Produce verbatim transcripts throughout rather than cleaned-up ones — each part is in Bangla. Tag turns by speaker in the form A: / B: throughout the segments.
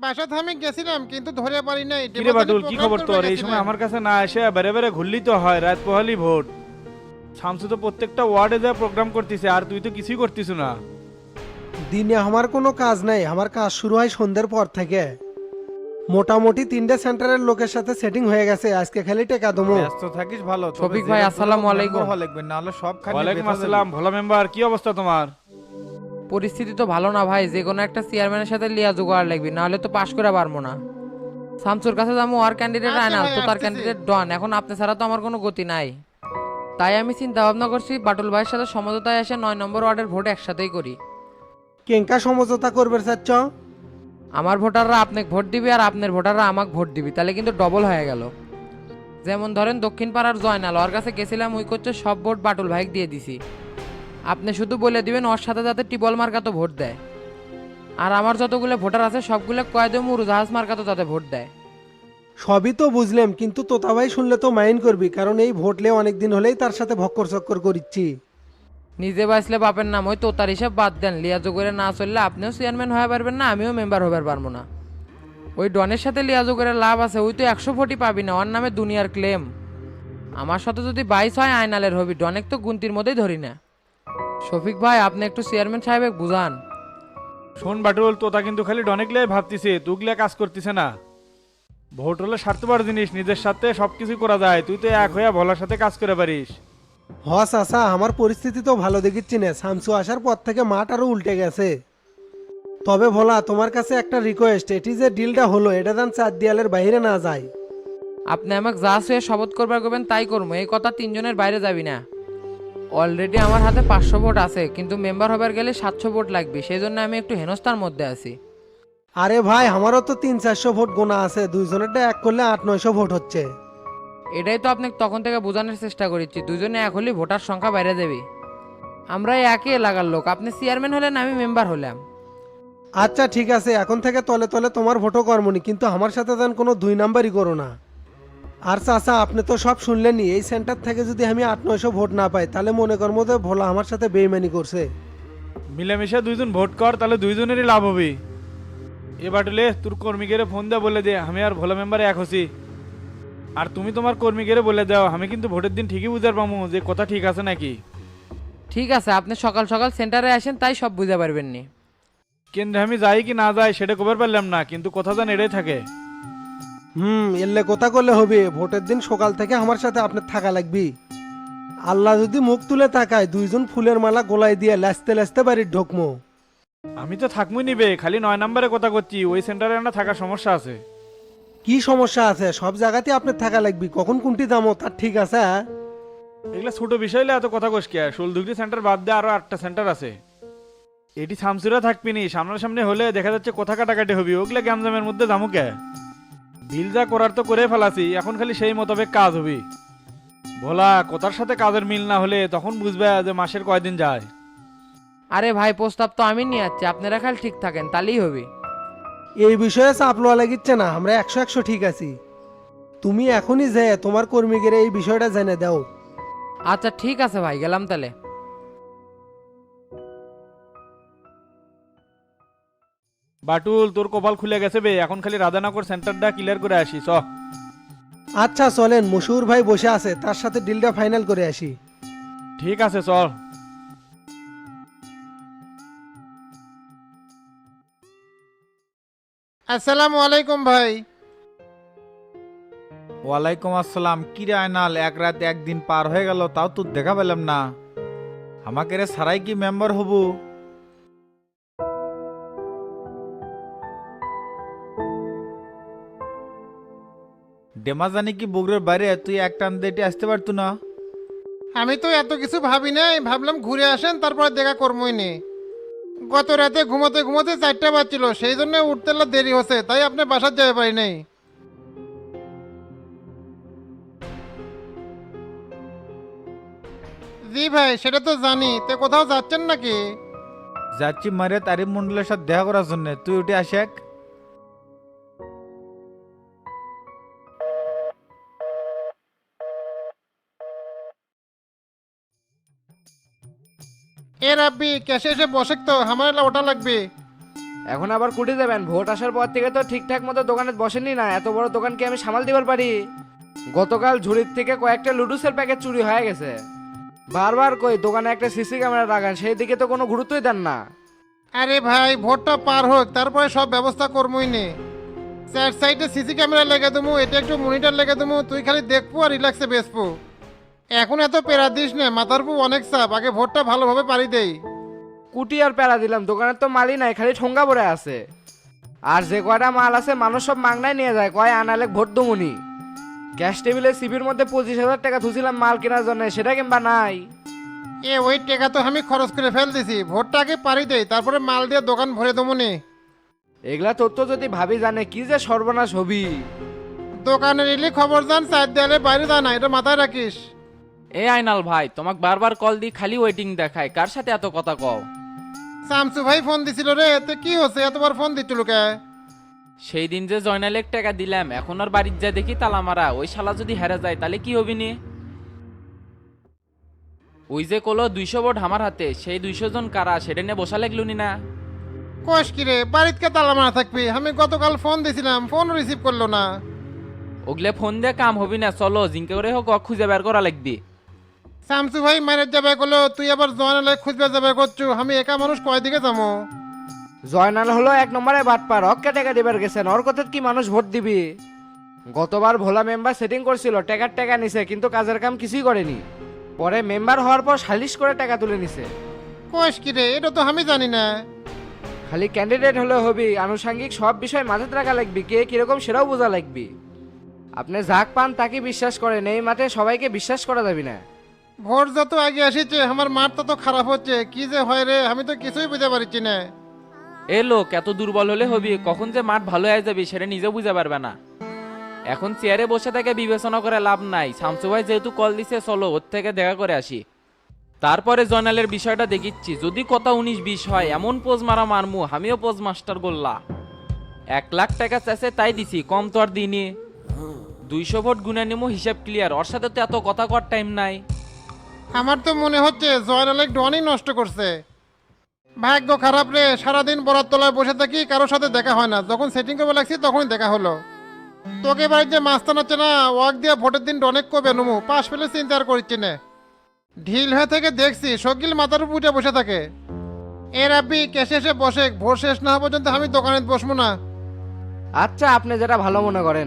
A: বাসাতে আমি গেছিলাম কিন্তু ধরে পারি নাই।
B: কিরে বাটুল, কি খবর তোর? এই সময়
A: গেছিলাম।
B: আমার কাছে না এসে বেড়ে বেড়ে ঘুরলি তো হয়, রাত পোহালি ভোট। শামসু তো প্রত্যেকটা ওয়ার্ডে যা প্রোগ্রাম করতেছে, আর তুই তো কিছুই করতিস না।
C: দিনে আমার কোনো কাজ নাই, আমার কাজ শুরু হয় সন্ধ্যের পর থেকে। মোটামুটি তিনটে সেন্টারের লোকের সাথে সেটিং হয়ে গেছে, আজকে খালি টেকা দমো।
D: ব্যস্ত থাকিস ভালো। তবে
E: শফিক ভাই,
D: জেলা
E: আসসালামু
D: পুরো
E: আলাইকুম।
D: মেম্বার হওয়া লাগবে, না হলে সব খালি
B: ওয়ালাইকুম
D: বেথা
B: আসসালাম, ভোলা মেম্বার, কি অবস্থা তোমার?
E: পরিস্থিতি তো ভালো না ভাই, যে কোনো একটা চেয়ারম্যানের সাথে লিয়া জোগাড় লাগবে, নাহলে তো পাশ করে পারবো না। শামসুর কাছে যাবো, আর ক্যান্ডিডেট
A: আচ্ছা
E: আয়নাল
A: ভাই,
E: তো তার
A: আসতেছি।
E: ক্যান্ডিডেট ডন, এখন আপনি ছাড়া তো আমার কোনো গতি নাই। তাই আমি চিন্তা ভাবনা করছি বাটুল ভাইয়ের সাথে সমঝোতায় এসে নয় নম্বর ওয়ার্ডের ভোট একসাথেই করি।
C: কেঙ্কা সমঝোতা করবে চাচ্ছ?
E: আমার ভোটাররা আপনাকে ভোট দিবি আর আপনার ভোটাররা আমাকে ভোট দিবি, তাহলে কিন্তু ডবল হয়ে গেল। যেমন ধরেন দক্ষিণ পাড়ার জয়নাল, ওর কাছে গেছিলাম, উই করছে সব ভোট বাটুল ভাইকে দিয়ে দিছি। আপনি শুধু বলে দিবেন ওর সাথে যাতে টিবল মার্কা তো ভোট দেয়। আর আমার যতগুলো ভোটার আছে সবগুলো কয়েদে উড়োজাহাজ মার্কা তো তাতে ভোট দেয়।
C: সবই তো বুঝলাম, কিন্তু তোতা ভাই শুনলে তো মাইন্ড করবি, কারণ এই ভোটলে অনেকদিন হলেই তার সাথে ভক্কর চক্কর করিচ্ছি।
E: নিজে বাঁচলে বাপের নাম, ওই তোতার হিসাব বাদ দেন, লিয়াজো করে না চললে আপনিও চেয়ারম্যান হয়ে পারবেন না, আমিও মেম্বার হবার পারবো না। ওই ডনের সাথে লিয়াজো করে লাভ আছে, ওই তো একশো ভোটই পাবি না, ওর নামে দুনিয়ার ক্লেম। আমার সাথে যদি বাইশ হয় আয়নালের হবি, ডনেক তো গুনতির মধ্যেই ধরি না। শফিক ভাই, আপনি একটু চেয়ারম্যান সাহেব বুঝান।
B: শোন বাটুল, তোতা কিন্তু খালি ডনেকলে ভাবতিছে, তুগলে কাজ করতিছে না। ভোট হলো স্বার্থপর জিনিস, নিজের সাথে সবকিছু করা যায়, তুই তো এক হইয়া ভোলার সাথে কাজ করে পারিস।
C: হস আসা, আমার পরিস্থিতি তো ভালো দেখিচ্ছি না, শামসু আসার পর থেকে মাঠ আরো উল্টে গেছে। তবে ভোলা, তোমার কাছে একটা রিকোয়েস্ট, এটি যে ডিলটা হলো এটা যেন চার দেয়ালের বাইরে না যায়।
E: আপনি আমাকে যা শুয়ে শপথ করবার করবেন তাই করবো, এই কথা তিনজনের বাইরে যাবি না। অলরেডি আমার হাতে পাঁচশো ভোট আছে, কিন্তু মেম্বার হবার গেলে সাতশো ভোট লাগবে, সেই জন্য আমি একটু হেনস্থার মধ্যে আছি।
C: আরে ভাই, আমারও তো তিন চারশো ভোট গোনা আছে, দুইজনেরটা এক করলে আট নয়শো ভোট হচ্ছে।
E: এটাই তো আপনাকে তখন থেকে বোঝানোর চেষ্টা করেছি, দুজনে এক হলে ভোটার সংখ্যা বাইরে দেবে। আমরা এই একই এলাকার লোক, আপনি চেয়ারম্যান হলেন, আমি মেম্বার হলাম।
C: আচ্ছা ঠিক আছে, এখন থেকে তলে তলে তোমার ভোটও কর্মনি, কিন্তু আমার সাথে যেন কোনো দুই নাম্বারই করো না। আর চাচা, আপনি তো সব শুনলেনই, এই সেন্টার থেকে যদি আমি আট নয়শো ভোট না পাই, তাহলে মনে করবো যে ভোলা আমার সাথে বেইমানি করছে।
B: মিলেমিশে দুইজন ভোট কর, তাহলে দুইজনেরই লাভ হবে। এ বাটুলে, তোর কর্মীকে ফোন দেওয়া বলে দে আমি আর ভোলা মেম্বারে এক হছি। আর তুমি তোমার কর্মীকে বলে দাও, আমি কিন্তু ভোটের দিন ঠিকই বুঝার পাবো যে কথা ঠিক আছে নাকি।
E: ঠিক আছে, আপনি সকাল সকাল সেন্টারে আসেন, তাই সব বুঝতে পারবেন নি।
B: কেন্দ্রে আমি যাই কি না যাই সেটা কবার পারলাম না, কিন্তু কথা জান এটাই থাকে।
C: হুম, এলে কথা করলে হবে, ভোটের দিন সকাল থেকে আমার সাথে আপনার থাকা লাগবে। আল্লাহ যদি মুখ তুলে তাকায়, দুইজন ফুলের মালা গোলায় দিয়ে লাসতে লাসতে বাড়ির ঢোকমো।
B: আমি তো থাকবই নিবে, খালি নয় নম্বরে কথা করছি, ওই সেন্টারে না থাকার সমস্যা আছে।
C: কি সমস্যা আছে? সব জায়গাতে আপনার থাকা লাগবে, কখন কোনটি দামো তার ঠিক আছে। হ্যাঁ?
B: এগুলা ছোট বিষয় এত কথা কস কে? ষোলদুগরি সেন্টার বাদ দিয়ে আরো আটটা সেন্টার আছে। এটি শামসুরা থাকবি নি, সামনাসামনি হলে দেখা যাচ্ছে কথা কাটাকাটি হবি, ওগুলা গ্যামজামের মধ্যে দামু কে? বিল যা করার তো করে ফেলাছি, এখন খালি সেই মোতাবেক কাজ হবি। ভোলা, কথার সাথে কাজের মিল না হলে তখন বুঝবে যে মাসের কয়দিন যায়।
E: আরে ভাই, প্রস্তাব তো আমি নিয়ে যাচ্ছি, আপনারা খালি ঠিক থাকেন, তাহলেই হবে।
C: এই বিষয়ে চাপ লওয়া লাগিচ্ছে না, আমরা একশো একশো ঠিক আছি। তুমি এখনই যে তোমার কর্মীদের এই বিষয়টা জেনে দাও।
E: আচ্ছা ঠিক আছে ভাই, গেলাম তাহলে।
B: বাটুল, তোর কপাল খুলে গেছে বে, এখন খালি রাধানগর সেন্টারটা ক্লিয়ার করে আসি চ।
C: আচ্ছা চলেন, মশুর ভাই বসে আছে, তার সাথে ডিলটা ফাইনাল করে আসি।
B: ঠিক আছে চল।
A: আসসালামু আলাইকুম ভাই।
D: ওয়ালাইকুম আসসালাম। কি রে আয়নাল, এক রাত একদিন পার হয়ে গেল, তাও তো দেখা পেলাম না। আমাকে রে সারাই কি মেম্বার হবু? ডেমা জানি কি বগুড়ের বাইরে, তুই এক টান দেটে আসতে পারতো না?
A: আমি তো এত কিছু ভাবি নাই, ভাবলাম ঘুরে আসেন তারপর দেখা করবই নে। গত রাতে ঘুমোতে ঘুমোতে চারটা বাজছিল, সেই জন্য উঠতে লা দেরি হচ্ছে, তাই আপনি বাসার যেতে পারি নাই। জি ভাই, সেটা তো জানি, তে কোথাও যাচ্ছেন নাকি?
D: যাচ্ছি মারে তারিফ মন্ডলের সাথে দেখা করার জন্য, তুই উঠে আসেক।
A: এ রাব্বি, ক্যাশে এসে বসে তো আমার এলা ওটা লাগবে।
F: এখন আবার কুটি দেবেন? ভোট আসার পর থেকে তো ঠিকঠাক মতো দোকানে বসেনি না, এত বড় দোকান কি আমি সামাল দিবার পারি? গতকাল ঝুড়ির থেকে কয়েকটা লুডুসের প্যাকেট চুরি হয়ে গেছে। বারবার কই দোকানে একটা সিসি ক্যামেরা লাগান, সেই দিকে তো কোনো গুরুত্বই দেন না।
A: আরে ভাই ভোটটা পার হোক, তারপরে সব ব্যবস্থা করবই নে। চার সাইডে সিসি ক্যামেরা লেগে দেবো, এটা একটু মনিটর লেগে দেবো, তুই খালি দেখবো আর রিল্যাক্সে বেসবো। এখন এত পেরা দিস না, মাথার উপর অনেক চাপ, আগে ভোটটা ভালোভাবে পারি দেই।
F: কুটি আর প্যারা দিলাম, দোকানের তো মালই নাই, খালি ঠোঙ্গা পড়ে আছে। আর যে কয়টা মাল আছে মানুষ সব মাংনায় নিয়ে যায়, কয় আনালে ভোট দমুনি। ক্যাশ টেবিলে সিপির মধ্যে পঁচিশ হাজার টাকা ধুছিলাম মাল কেনার জন্য, সেটা কিংবা নাই।
A: এ ওই টাকা তো আমি খরচ করে ফেল দিছি, ভোটটা আগে পারি দেই, তারপরে মাল দিয়ে দোকান ভরে দেবো নি।
F: এগুলা তথ্য যদি ভাবি জানে কি যে সর্বনাশ হবি।
A: দোকানের এলি খবর জান, চার দেয়ালের বাইরে যা না, এটা মাথায় রাখিস।
G: এ আইনাল ভাই, তোমাক বারবার কল দি খালি ওয়েটিং দেখায়, কার সাথে এত কথা কও?
A: শামসু ভাই ফোন দিছিল রে, এতে কি হচ্ছে এতবার ফোন দিচ্ছিল কে?
G: সেই দিন যে জয়নালেক টাকা দিলাম, এখন আর বাড়ির যা দেখি তালা মারা, ওই শালা যদি হেরে যায় তাহলে কি হবি নি? ওই যে কলো দুইশো ভোট আমার হাতে, সেই দুইশো জন কারা সেটা নিয়ে বসা লাগলুনি না?
A: কোষ কিরে বাড়িতে তালা মারা থাকবি? আমি গতকাল ফোন দিছিলাম, ফোন রিসিভ করলো না।
G: ওগলে ফোন দিয়ে কাম হবি না, চলো জিঙ্কে করে হোক খুঁজে বের করা লাগবি।
A: শামসু ভাই মারের যাবে করলো, তুই আবার জয়নালে খুঁজবে যাবে করছু, আমি একা মানুষ কয়দিকে যাবো?
F: জয়নাল হলো এক নম্বরে বাটপার, অক্কা টাকা দিবার গেছেন, ওর কথা কি মানুষ ভোট দিবি? গতবার ভোলা মেম্বার সেটিং করছিল, টাকার টাকা নিছে কিন্তু কাজের কাম কিছুই করেনি। পরে মেম্বার হওয়ার পর সালিশ করে টাকা তুলে নিছে।
A: কোষ কিরে এটা তো আমি জানি না।
F: খালি ক্যান্ডিডেট হলে হবি, আনুষঙ্গিক সব বিষয় মাথায় রাখা লাগবি, কে কিরকম সেটাও বোঝা লাগবি। আপনি যাক পান তাকে বিশ্বাস করেন, এই মাঠে সবাইকে বিশ্বাস করা যাবে না।
A: ভোট যত আগে আসিছে আমার মাঠ তত খারাপ হচ্ছে, কি যে হয় রে আমি তো কিছুই বুঝতে পারছি না।
G: এ লোক এত দুর্বল হলে হবি, কখন যে মাঠ ভালো হয়ে যাবি সেটা নিজে বুঝতে পারবে না। এখন চেয়ারে বসে থেকে বিবেচনা করে লাভ নাই, শামসু ভাই যেহেতু কল দিছে চলো ওর থেকে দেখা করে আসি, তারপরে জয়নালের বিষয়টা দেখিচ্ছি। যদি কথা উনিশ বিশ হয় এমন পোজ মারা মারমু, আমিও পোজ মাস্টার গোল্লা। এক লাখ টাকা চাইছে তাই দিছি, কম তো আর দিইনি। দুইশো ভোট গুনে নিমু, হিসাব ক্লিয়ার, ওর সাথে তো এত কথা কর টাইম নাই।
A: আমার তো মনে হচ্ছে জয়নালে ডনই নষ্ট করছে। ভাগ্য খারাপ রে, সারাদিন বরাত তলায় বসে থাকি, কারোর সাথে দেখা হয় না, যখন সেটিং করবে লাগছি তখনই দেখা হলো। তোকে বাড়িতে মাস্তান হচ্ছে না, ওয়াক দিয়ে ভোটের দিন অনেক কবে নমু, পাশ ফেলে চিন্তা আর করছি না। ঢিল হয়ে থেকে দেখছি শকিল মাথার উপর উঠে বসে থাকে। এ রাব্বি কেসে এসে বসে, ভোট শেষ না হওয়া পর্যন্ত আমি দোকানে বসবো না।
F: আচ্ছা আপনি যেটা ভালো মনে করেন।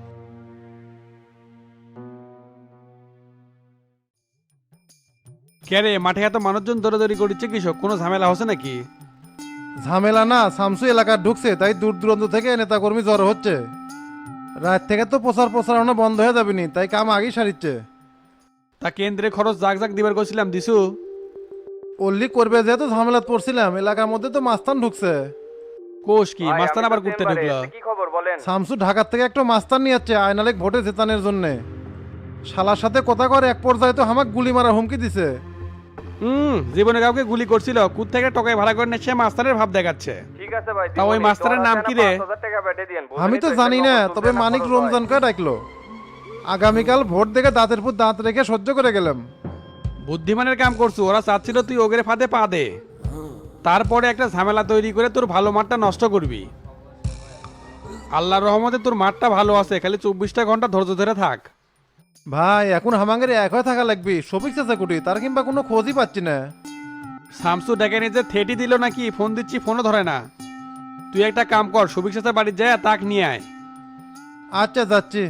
H: কে রে মাঠে এত মানুষজন দৌড়াদৌড়ি করছে, কৃষক কোনো ঝামেলা হচ্ছে নাকি?
A: ঝামেলা না, শামসু এলাকা ঢুকছে তাই দূর দূরান্ত থেকে নেতাকর্মী জড়ো হচ্ছে। রাত থেকে তো প্রচার প্রচারণা বন্ধ হয়ে যাবেনি, তাই কাম আগেই সারিচ্ছে।
H: তা কেন্দ্রে খরচ জাগ জাগ দিবার করছিলাম, দিছু?
A: অল্লি করবে যেহেতু ঝামেলা পড়ছিলাম, এলাকার মধ্যে তো মাস্তান ঢুকছে।
H: কোষ কি মাস্তান আবার করতে ঢুকলো?
A: শামসু ঢাকার থেকে একটা মাস্তান নিয়ে যাচ্ছে আয়নালেক ভোটে জেতানোর জন্য। শালার সাথে কথা কর, এক পর্যায়ে তো আমাকে গুলি মারা হুমকি দিছে।
H: হুম, জীবনে কাউকে গুলি করছিল, কুত থেকে টকায় ভাড়া করে নিচ্ছে, মাস্টারের ভাব দেখাচ্ছে।
I: ঠিক আছে ভাই,
H: তা ওই মাস্টারের নাম কি রে?
A: আমি তো জানি না, তবে মানিক রমজানকে ডাকলো। আগামীকাল ভোট দেখে দাঁতের পুর দাঁত রেখে সহ্য করে গেলাম।
H: বুদ্ধিমানের কাম করছু, ওরা চাচ্ছিল তুই ওগের ফাঁদে পা দে, তারপরে একটা ঝামেলা তৈরি করে তোর ভালো মাঠটা নষ্ট করবি। আল্লাহর রহমতে তোর মাঠটা ভালো আছে, খালি চব্বিশটা ঘন্টা ধৈর্য ধরে থাক।
A: ভাই এখন হামাঙ্গের এক হয়ে থাকা লাগবি, সবিক চাচা কুটি তার কিংবা কোনো খোঁজই পাচ্ছি না।
H: শামসু ডেকে নিজে থেটি দিল নাকি, ফোন দিচ্ছি ফোনও ধরে না। তুই একটা কাম কর, সবিক চাচা বাড়ির যায় তাক নিয়ে আয়।
A: আচ্ছা যাচ্ছি।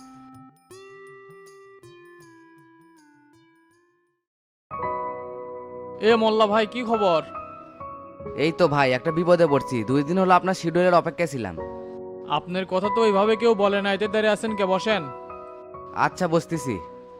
G: এ মোল্লা ভাই কি খবর?
J: এই তো ভাই একটা বিপদে পড়ছি, দুই দিন হলো আপনার শিডিউলের অপেক্ষায় ছিলাম।
G: আপনার কথা তো ওইভাবে কেউ বলে না, এতে দাঁড়িয়ে আছেন কে, বসেন।
J: আচ্ছা বসতেছি।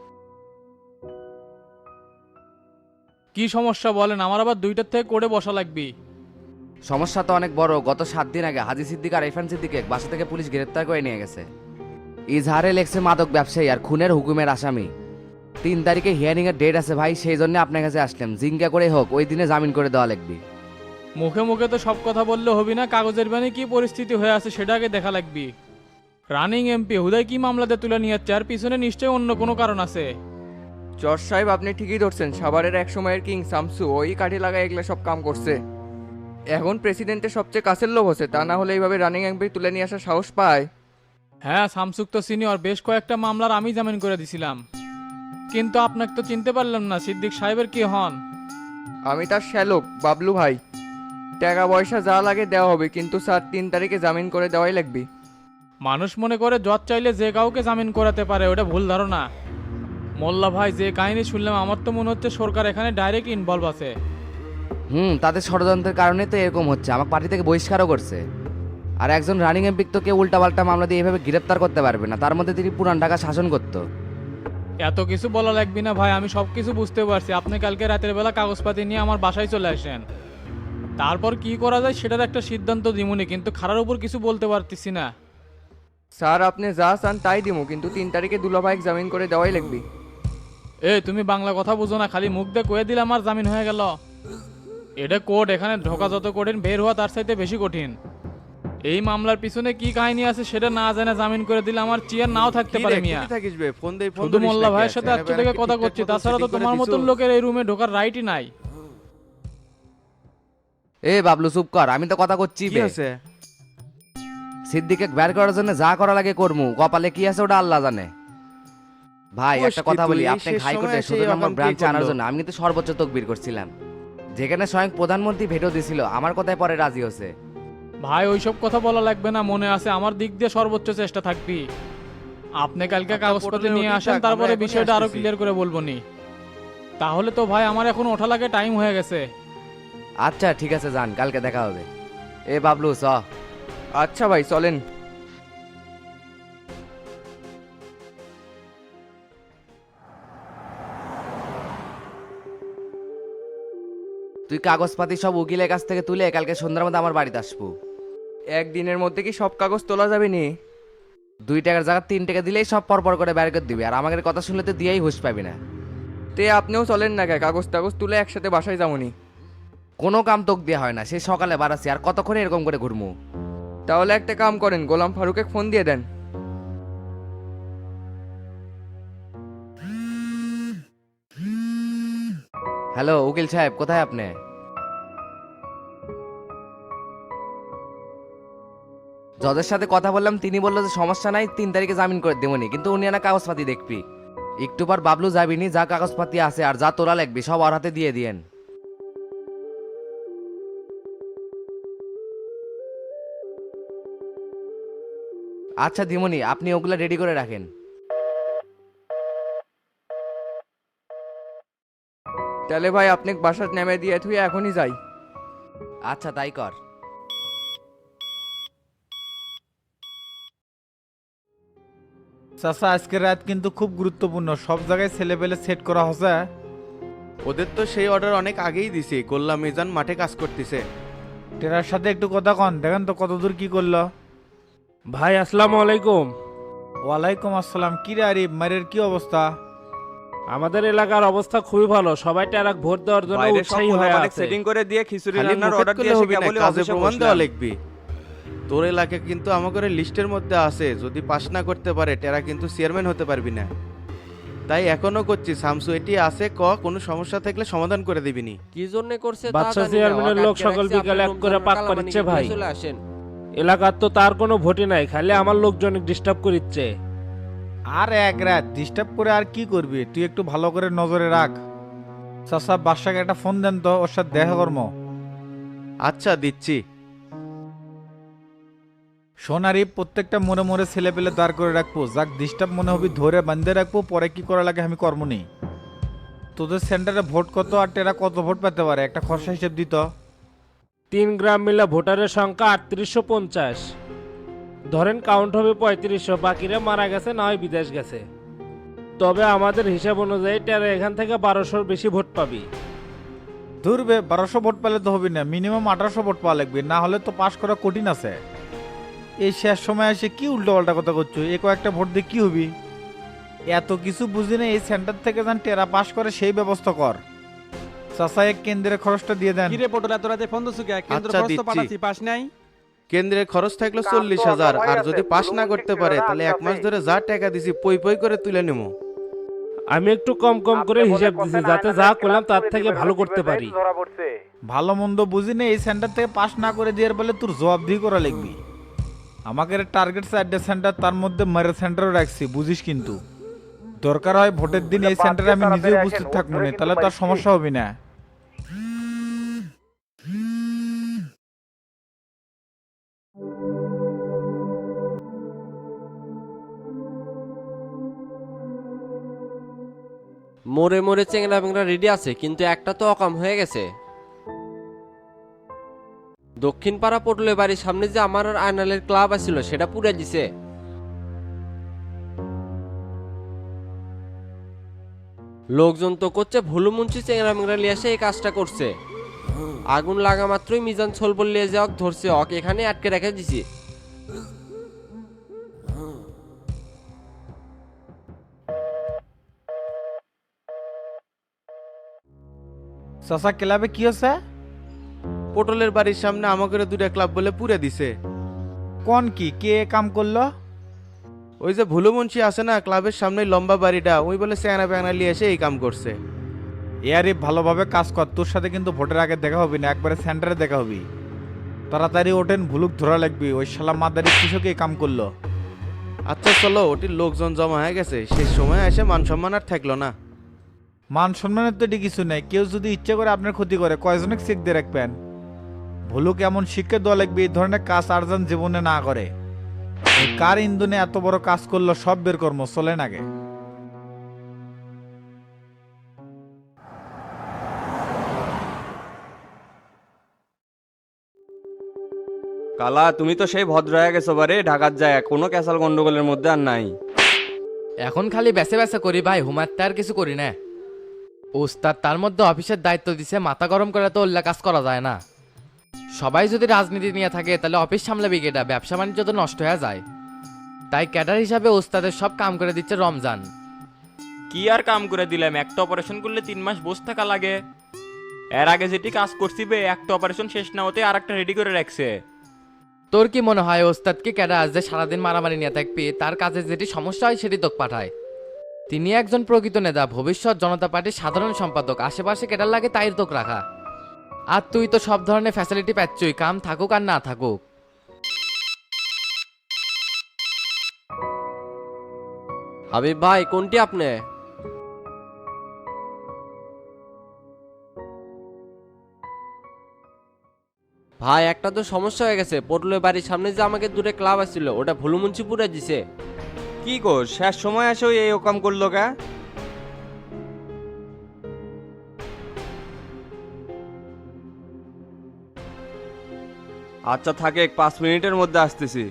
G: কি সমস্যা বলেন, আমার আবার দুইটার থেকে করে বসা লাগবে।
J: সমস্যা তো অনেক বড়, গত সাত দিন আগে হাজি সিদ্দিক আর ইরফান সিদ্দিকে বাসা থেকে পুলিশ গ্রেপ্তার করে নিয়ে গেছে। ইজহারে লেখছে মাদক ব্যবসায়ী আর খুনের হুকুমের আসামি। তিন তারিখে হিয়ারিং এর ডেট আছে ভাই, সেই জন্য আপনার কাছে আসলাম, জিঙ্কা করে হোক ওই দিনে জামিন করে দেওয়া লাগবে।
G: মুখে মুখে তো সব কথা বললে হবি না, কাগজের বানি কি পরিস্থিতি হয়ে আছে সেটা আগে দেখা লাগবে। রানিং এমপি হুদায় কি মামলাতে তুলে নিয়ে যাচ্ছে, আর পিছনে নিশ্চয়ই অন্য কোনো কারণ আছে।
I: জজ সাহেব আপনি ঠিকই ধরছেন, সাভারের এক সময়ের কিং শামসু ওই কাঠি লাগায় এগুলো সব কাম করছে। এখন প্রেসিডেন্টের সবচেয়ে কাছের লোক হচ্ছে, তা না হলে এইভাবে রানিং এমপি তুলে নিয়ে আসার সাহস পায়?
B: হ্যাঁ, শামসুক তো সিনিয়র, বেশ কয়েকটা মামলার আমি জামিন করে দিছিলাম। কিন্তু আপনাকে তো চিনতে পারলাম না, সিদ্দিক সাহেবের কি হন?
I: আমি তার শ্যালক বাবলু ভাই। টাকা পয়সা যা লাগে দেওয়া হবে, কিন্তু স্যার তিন তারিখে জামিন করে দেওয়াই লাগবে।
B: মানুষ মনে করে জজ চাইলে যে কাউকে জামিন করাতে পারে, ওটা ভুল ধারণা। মোল্লা ভাই, যে কাহিনী শুনলাম আমার তো মনে হচ্ছে সরকার এখানে ডাইরেক্ট ইনভলভ আছে।
J: হুম, তাদের ষড়যন্ত্রের কারণে তো এরকম হচ্ছে, আমাকে পার্টি থেকে বহিষ্কারও করছে। আর একজন রানিং এমপি তো কেউ উল্টাপাল্টা মামলা দিয়ে এভাবে গ্রেপ্তার করতে পারবে না, তার মধ্যে তিনি পুরান ঢাকা শাসন করতো।
B: এত কিছু বলা লাগবে না ভাই, আমি সব কিছু বুঝতে পারছি। আপনি কালকে রাতের বেলা কাগজপাতি নিয়ে আমার বাসায় চলে আসেন, তারপর কি করা যায় সেটার একটা সিদ্ধান্ত দিমুনি, কিন্তু খারার উপর কিছু বলতে পারতেছি না।
I: স্যার আপনি যা চান তাই দিব, কিন্তু তিন তারিখে দুলাভাইক জামিন করে দেওয়াই লাগবে।
B: এ তুমি বাংলা কথা বুঝো না, খালি মুখ দিয়ে কয়ে দিলে আমার জামিন হয়ে গেল? এটা কোর্ট, এখানে ঢোকা যত কঠিন বের হওয়া তার চাইতে বেশি কঠিন। এই মামলার পিছনে কি কাহিনী আছে সেটা না জানে জামিন করে দিলে আমার চেয়ার নাও থাকতে পারে মিয়া। শুধু মোল্লা ভাইয়ের সাথে আজকে থেকে কথা করছি, তাছাড়া তো তোমার মতন লোকের এই রুমে ঢোকার রাইটই নাই।
J: এ বাবলু চুপ কর, আমি তো কথা করছি। সিদ্দিকে বের করার জন্য যা করা লাগে করমু, কপালে কি আছে ওটা আল্লাহ জানে। ভাই একটা কথা বলি, আপনি হাইকোর্টে সতেরো নম্বর ব্রাঞ্চে আনার জন্য আমি কিন্তু সর্বোচ্চ তকবির করছিলাম, যেখানে স্বয়ং প্রধানমন্ত্রী ভেটো দিছিল, আমার কথায় পরে রাজি হয়েছে।
B: ভাই ওইসব কথা বলা লাগবে না, মনে আছে আমার দিক দিয়ে সর্বোচ্চ চেষ্টা থাকবি। আপনি কালকে কাগজপত্র নিয়ে আসেন, তারপরে বিষয়টা আরো ক্লিয়ার করে বলবো নি। তাহলে তো ভাই আমার এখন ওঠা লাগে টাইম হয়ে গেছে।
J: আচ্ছা ঠিক আছে, যান, কালকে দেখা হবে। এ বাবলু চ।
I: আচ্ছা ভাই চলেন।
J: তুই কাগজপাতি সব উকিলের কাছ থেকে তুলে কালকে সন্ধ্যার মধ্যে আমার বাড়িতে আসবো।
I: একদিনের মধ্যে কি সব কাগজ তোলা যাবে নি?
J: দুই টাকার জায়গা তিন টাকা দিলেই সব পরপর করে বের করে দিবি, আর আমাদের কথা শুনলে তো দিয়েই হুঁশ পাবি না।
I: তে আপনিও চলেন না, কে কাগজ টাগজ তুলে একসাথে বাসায় যাবনি।
J: কোনো কাম তোক দেওয়া হয় না, সেই সকালে বাড়াচ্ছি, আর কতক্ষণ এরকম করে ঘুরমু?
I: তাহলে একটা কাম করেন, গোলাম ফারুকে ফোন দিয়ে দেন।
J: হ্যালো উকিল সাহেব, কোথায় আপনি? জজের সাথে কথা বললাম, তিনি বললো যে সমস্যা নাই, তিন তারিখে জামিন করে দেবনি, কিন্তু উনি না কাগজপাতি দেখবি। একটু পর বাবলু যাবিনি, যা কাগজপাতি আছে আর যা তোলা লাগবি সব ওর হাতে দিয়ে দিয়েন। আচ্ছা দিমনি, আপনি ওগুলা রেডি করে রাখেন।
I: তাহলে ভাই আপনি বাসার নেমে দিয়ে তুই এখনই যাই।
J: আচ্ছা তাই কর।
D: চাচা আজকের রাত কিন্তু খুব গুরুত্বপূর্ণ, সব জায়গায় ছেলে পেলে সেট করা হচ্ছে।
K: ওদের তো সেই অর্ডার অনেক আগেই দিছি, গোল্লা মিজান মাঠে কাজ করতেছে।
D: টেরার সাথে একটু কথা কন, দেখেন তো কতদূর কি করলো।
L: ভাই আসসালামু আলাইকুম।
D: ওয়ালাইকুম আসসালাম। কি রে আরিফ, মারের কি অবস্থা?
L: আমাদের এলাকার অবস্থা খুবই ভালো, সবাই টেরাক ভোট দেওয়ার জন্য উৎসাহী হয়ে আছে।
K: সেটিং করে দিয়ে খিচুড়ি রান্নার অর্ডার দিয়ে এসে কেবলই কাজে প্রমাণ দেওয়া লাগবে। তোর এলাকা কিন্তু আমাদের লিস্টের মধ্যে আছে, যদি পাস না করতে পারে টেরা কিন্তু চেয়ারম্যান হতে পারবি না। তাই এখনো করছি, শামসু এটি আছে, ক কোনো সমস্যা থাকলে সমাধান করে দিবিনি।
M: কি জন্য করছে
L: বাচ্চা চেয়ারম্যানের লোক সকল বিকালে এক করে পাক পারিচ্ছে ভাই। এলাকার তো তার কোনো ভোটই নাই, খালি আমার লোকজন ডিস্টার্ব করিচ্ছে।
D: আর এক রাত ডিস্টার্ব করে আর কি করবি, তুই একটু ভালো করে নজরে রাখ। চাচা বাদশাকে একটা ফোন দেন তো, ওর সাথে দেখা কর্ম।
K: আচ্ছা দিচ্ছি।
D: সোনারি প্রত্যেকটা মনে মনে ছেলে পেলে দাঁড় করে রাখবো, যাক ডিস্টার্ব মনে হবি ধরে বান্ধে রাখবো, পরে কি করা লাগে আমি কর্ম নেই। তোদের সেন্টারে ভোট কত আর টেরা কত ভোট পেতে পারে একটা খরচা হিসেব দিত।
L: তিন গ্রাম মিলে ভোটারের সংখ্যা আটত্রিশশো পঞ্চাশ, ধরেন কাউন্ট হবে পঁয়ত্রিশশো, বাকিরা মারা গেছে না হয় বিদেশ গেছে। তবে আমাদের হিসাব অনুযায়ী টেরা এখান থেকে বারোশোর বেশি ভোট পাবি।
D: ধরবে বারোশো ভোট পেলে তো হবি না, মিনিমাম আঠারোশো ভোট পাওয়া লাগবে, না হলে তো পাশ করা কঠিন আছে। এই শেষ সময় এসে কি উল্টো পাল্টা কথা করছো, এ কয়েকটা ভোট দিয়ে কি হবি? এত কিছু বুঝি না, এই সেন্টার থেকে যান টেরা পাস করে সেই ব্যবস্থা কর। চাচা এক কেন্দ্রের খরচটা দিয়ে দেন।
H: কিরে পটল এত রাতে ফোন দিছু কে? কেন্দ্র খরচ তো পাঠাচ্ছি, পাস নাই?
K: কেন্দ্রের খরচ থাকলো চল্লিশ হাজার, আর যদি পাস না করতে পারে তাহলে এক মাস ধরে যা টাকা দিছি পই পই করে তুলে নেবো।
L: আমি একটু কম কম করে হিসাব দিছি যাতে যা করলাম তার থেকে ভালো করতে পারি।
D: ভালো মন্দ বুঝি না এই সেন্টার থেকে পাস না করে দিয়ে বলে তোর জবাবদিহি করা লাগবি। আমাকে টার্গেট চারটে সেন্টার, তার মধ্যে মেরে সেন্টারও রাখছি, বুঝিস কিন্তু দরকার হয় ভোটের দিন এই সেন্টারে আমি নিজে উপস্থিত থাকবো না, তাহলে তার সমস্যা হবে না।
M: মোড়ে মোড়ে চেংড়া বেংড়া রেডি আছে, কিন্তু একটা তো অকাম হয়ে গেছে। দক্ষিণ পাড়া পটলের বাড়ির সামনে যে আমার আর আয়নালের ক্লাব আছিল সেটা পুড়ে দিছে। লোকজন তো করছে ভুলু মুন্সি চেংড়া বেংড়া লিয়ে এসে এই কাজটা করছে। আগুন লাগা মাত্রই মিজান ছলবল লিয়ে যাওয়া ধরছে, অক এখানে আটকে রেখে দিছি।
D: চাচা ক্লাবে কি হচ্ছে?
K: পটলের বাড়ির সামনে আমাকে দুটা ক্লাব বলে পুরে দিছে।
D: কোন কি কে কাম করলো?
K: ওই যে ভুলু মুন্সি আছে না ক্লাবের সামনে লম্বা বাড়িটা, ওই বলে স্যাংরা প্যাংরা নিয়ে এসে এই কাম করছে।
D: এয়ারে ভালোভাবে কাজ কর, তোর সাথে কিন্তু ভোটের আগে দেখা হবি না, একবারে সেন্টারে দেখা হবি। তাড়াতাড়ি ওঠেন, ভুলুক ধরা লাগবি। ওই শালা মাদারি কৃষক এই কাম করলো।
K: আচ্ছা চলো, ওটির লোকজন জমা হয়ে গেছে, শেষ সময় এসে মান সম্মান আর থাকলো না।
D: মান সম্মানের তো এটি কিছু নেই, কেউ যদি ইচ্ছে করে আপনার ক্ষতি করে কয়জনে চেক দিয়ে রাখবেন। ভুলুক এমন শিক্ষা দেওয়া লাগবে এই ধরনের কাজ আর যেন জীবনে না করে। এই কার ইন্ধনে এত বড় কাজ করলো সব বের কর্ম চলে নাগে।
I: কালা তুমি তো সেই ভদ্র হয়ে গেছো বারে, ঢাকার যায় কোনো ক্যাসাল গন্ডগোলের মধ্যে আর নাই।
E: এখন খালি বেসে বেসে করি ভাই, হুমায়তে আর কিছু করি না। ওস্তাদ তার মধ্যে অফিসের দায়িত্ব দিছে, মাথা গরম করে তো উল্লা কাজ করা যায় না। সবাই যদি রাজনীতি নিয়ে থাকে তাহলে অফিস সামলাবি কেটা, ব্যবসা বাণিজ্য তো নষ্ট হয়ে যায়। তাই ক্যাডার হিসাবে ওস্তাদের সব কাম করে দিচ্ছে রমজান।
G: কি আর কাম করে দিলাম, একটা অপারেশন করলে তিন মাস বসে থাকা লাগে। এর আগে যেটি কাজ করছি বে, একটা অপারেশন শেষ না হতে আর একটা রেডি করে রাখছে।
E: তোর কি মনে হয় ওস্তাদকে ক্যাডার আজ যে সারাদিন মারামারি নিয়ে থাকবি, তার কাজে যেটি সমস্যা হয় সেটি তোক পাঠায়। তিনি একজন প্রকৃত নেতা, ভবিষ্যৎ জনতা পার্টির সাধারণ সম্পাদক, আশেপাশে কেটার লাগে তাই তোক রাখা। আর তুই তো সব ধরনের ফ্যাসিলিটি পাচ্ছই, কাম থাকুক আর না থাকুক।
M: হাবিব ভাই কোনটি আপনি? ভাই একটা তো সমস্যা হয়ে গেছে, পটলের বাড়ির সামনে যে আমাকে দূরে ক্লাব আসছিল ওটা ভুলুমুন্সি পুরে দিছে।
I: কি কর শেষ সময় এসে ওই এই ওকাম করলো কে? আচ্ছা থাকে, পাঁচ মিনিটের মধ্যে আসতেছি।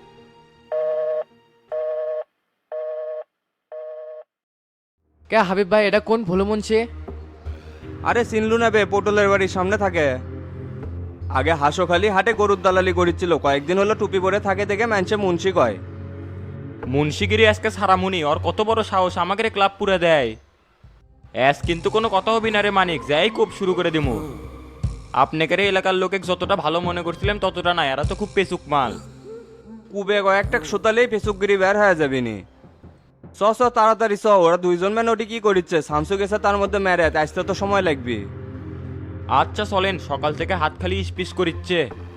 E: কে হাবিব ভাই, এটা কোন ভুলু মুন্সি?
I: আরে চিনলু না বে, পটলের বাড়ির সামনে থাকে। আগে হাসোখালি হাটে গরুর দালালি করেছিল, কয়েকদিন হলো টুপি পরে থাকে দেখে মানুষে মুন্সি কয়।
G: মুন্সিগিরি আজকে সারামুনি, ওর কত বড় সাহস আমাকে ক্লাব পুরে দেয়। এস কিন্তু কোনো কথা হবি না রে মানিক, যাই খুব শুরু করে দিমু। আপনাকে এলাকার লোকে যতটা ভালো মনে করছিলাম ততটা না, এরা তো খুব পেচুক মাল।
I: কুবে কয়েকটা সোতালেই ফেসুকগিরি বের হয়ে যাবি নি। চ চ তাড়াতাড়ি চ, ওরা দুইজন ম্যান ওটি কি করিচ্ছে, শামসু গেছে তার মধ্যে মেরে, আসতে তো সময় লাগবে।
G: আচ্ছা চলেন, সকাল থেকে হাত খালি স্পিস করিচ্ছে।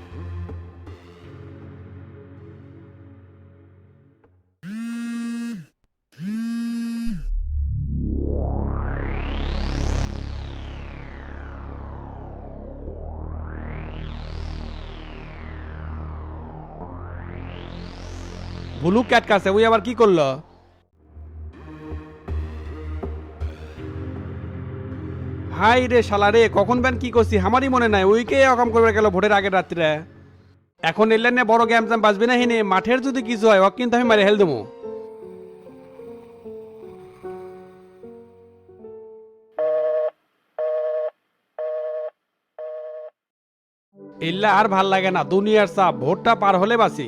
H: ভুলু ক্যাট কাছে ওই আবার কি করলো? হাই রে শালা রে, কখন ব্যান কি করছি আমারই মনে নাই, ওইকে অকাম করবে গেল ভোটের আগের রাত্রে। এখন এলেন না বড় গ্যাম জ্যাম বাজবে না হিনে, মাঠের যদি কিছু হয় ওক কিন্তু আমি মারে হেল দেবো। এল্লা আর ভাল লাগে না, দুনিয়ার চাপ, ভোটটা পার হলে বাসি।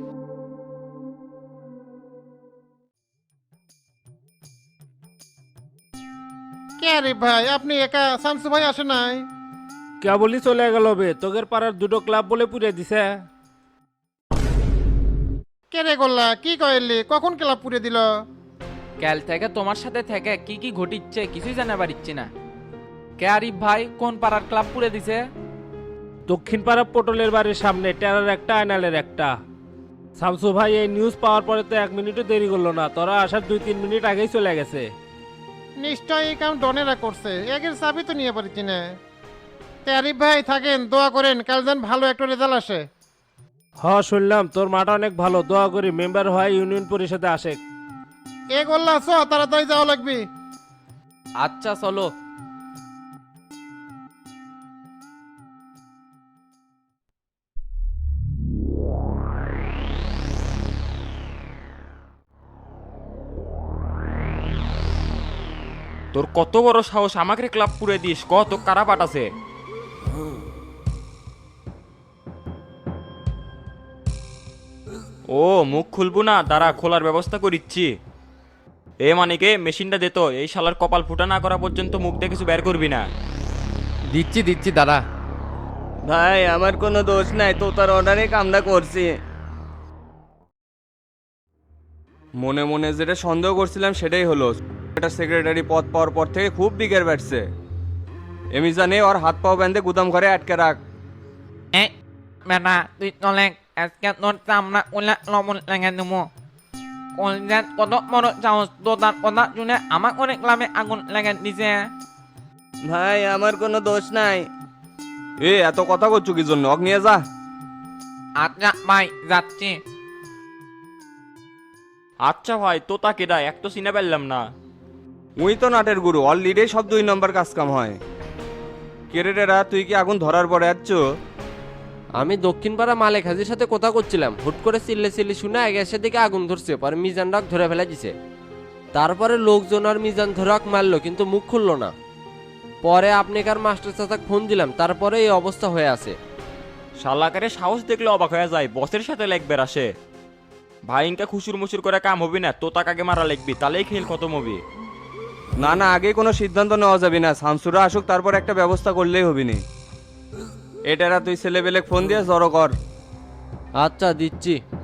A: কে রে ভাই, আপনি একা? শামসু ভাই আসে নাই?
L: কেবলই চলে গেল বে, তোগের পাড়ার দুটো ক্লাব বলে পুড়ে দিছে।
A: কে রে গোল্লা, কি কইলি? কখন ক্লাব পুড়ে দিল?
G: কাল থেকে তোমার সাথে থেকে কি কি ঘটিচ্ছে কিছুই জানা পারিচ্ছি না। কে আরিফ ভাই কোন পাড়ার ক্লাব পুড়ে দিছে?
L: দক্ষিণ পাড়া পটলের বাড়ির সামনে টেরার একটা আয়নালের একটা। শামসু ভাই এই নিউজ পাওয়ার পরে তো এক মিনিটও দেরি করলো না, তোরা আসার দুই তিন মিনিট আগেই চলে গেছে।
A: নিশ্চয় এই কাম ডনেরা করছে, একের চাবি তো নিয়ে পারছি না। তে আরিফ ভাই থাকেন, দোয়া করেন কাল যেন ভালো একটা রেজাল্ট আসে।
L: হ শুনলাম তোর মাটা অনেক ভালো, দোয়া করি মেম্বার হয় ইউনিয়ন পরিষদে আসে।
A: এ গোল্লা আছো, তাড়াতাড়ি যাওয়া লাগবে।
G: আচ্ছা চলো। তোর কত বড় সাহস আমাকে ক্লাব পুড়ে দিস, কত কারা পাঠাছে? ও মুখ খুলবো না, দাঁড়া খোলার ব্যবস্থা করিচ্ছি। এ মানিকে মেশিনটা দে তো, এই শালার কপাল ফুটা না করা পর্যন্ত মুখ দিয়ে কিছু বের করবি না।
J: দিচ্ছি দিচ্ছি দাদা।
I: ভাই আমার কোনো দোষ নাই, তো তার অর্ডারে কামটা করছি। মনে মনে যেটা সন্দেহ করছিলাম সেটাই হলো। এটা সেক্রেটারি পদ পাওয়ার পর থেকে খুব বিগের বাড়ছে। এমি জানে ওর হাত পাও বেঁধে গুদাম ঘরে আটকে রাখ।
G: বেটা তুই চলে আজকে তোর চামড়া উল্লা লবণ লেগে দেবো। কলজাত কত বড় চামচ, তো তার কথা শুনে আমার অনেক ক্লাবে আগুন লেগে দিছে।
I: ভাই আমার কোনো দোষ নাই। এ এত কথা করছো কি জন্য? অগ নিয়ে যা।
G: আচ্ছা ভাই যাচ্ছি। আচ্ছা ভাই তো তা কেডা, এক তো চিনে পারলাম না।
I: উই তো নাটের গুরু, অলরেডি সব দুই নম্বর কাজ কাম হয়। কেরেটেরা তুই কি আগুন ধরার পরে যাচ্ছ?
M: আমি দক্ষিণ পাড়া মালিক হাজির সাথে কথা করছিলাম, হুট করে চিল্লে চিল্লি শুনে আগে এসে দিকে আগুন ধরছে, পরে মিজান ডাক ধরে ফেলে দিছে। তারপরে লোকজন আর মিজান ধরাক মারলো কিন্তু মুখ খুললো না। পরে আপনি কার মাস্টার চাচাক ফোন দিলাম, তারপরে এই অবস্থা হয়ে আছে।
G: শালাকারে সাহস দেখলে অবাক হয়ে যায়, বসের সাথে লেখবের আসে। ভাইঙ্কা খুশুর মুসুর করে কাম হবি না, তো তাকে আগে মারা লিখবি, তাহলেই খেল খতম হবি।
I: না না, আগে কোনো সিদ্ধান্ত নেওয়া যাবে না। শামসুরা আসুক, তারপর একটা ব্যবস্থা করলেই হবি নি। এটারা তুই ছেলেবেলে ফোন দিয়ে জড়ো কর।
M: আচ্ছা দিচ্ছি।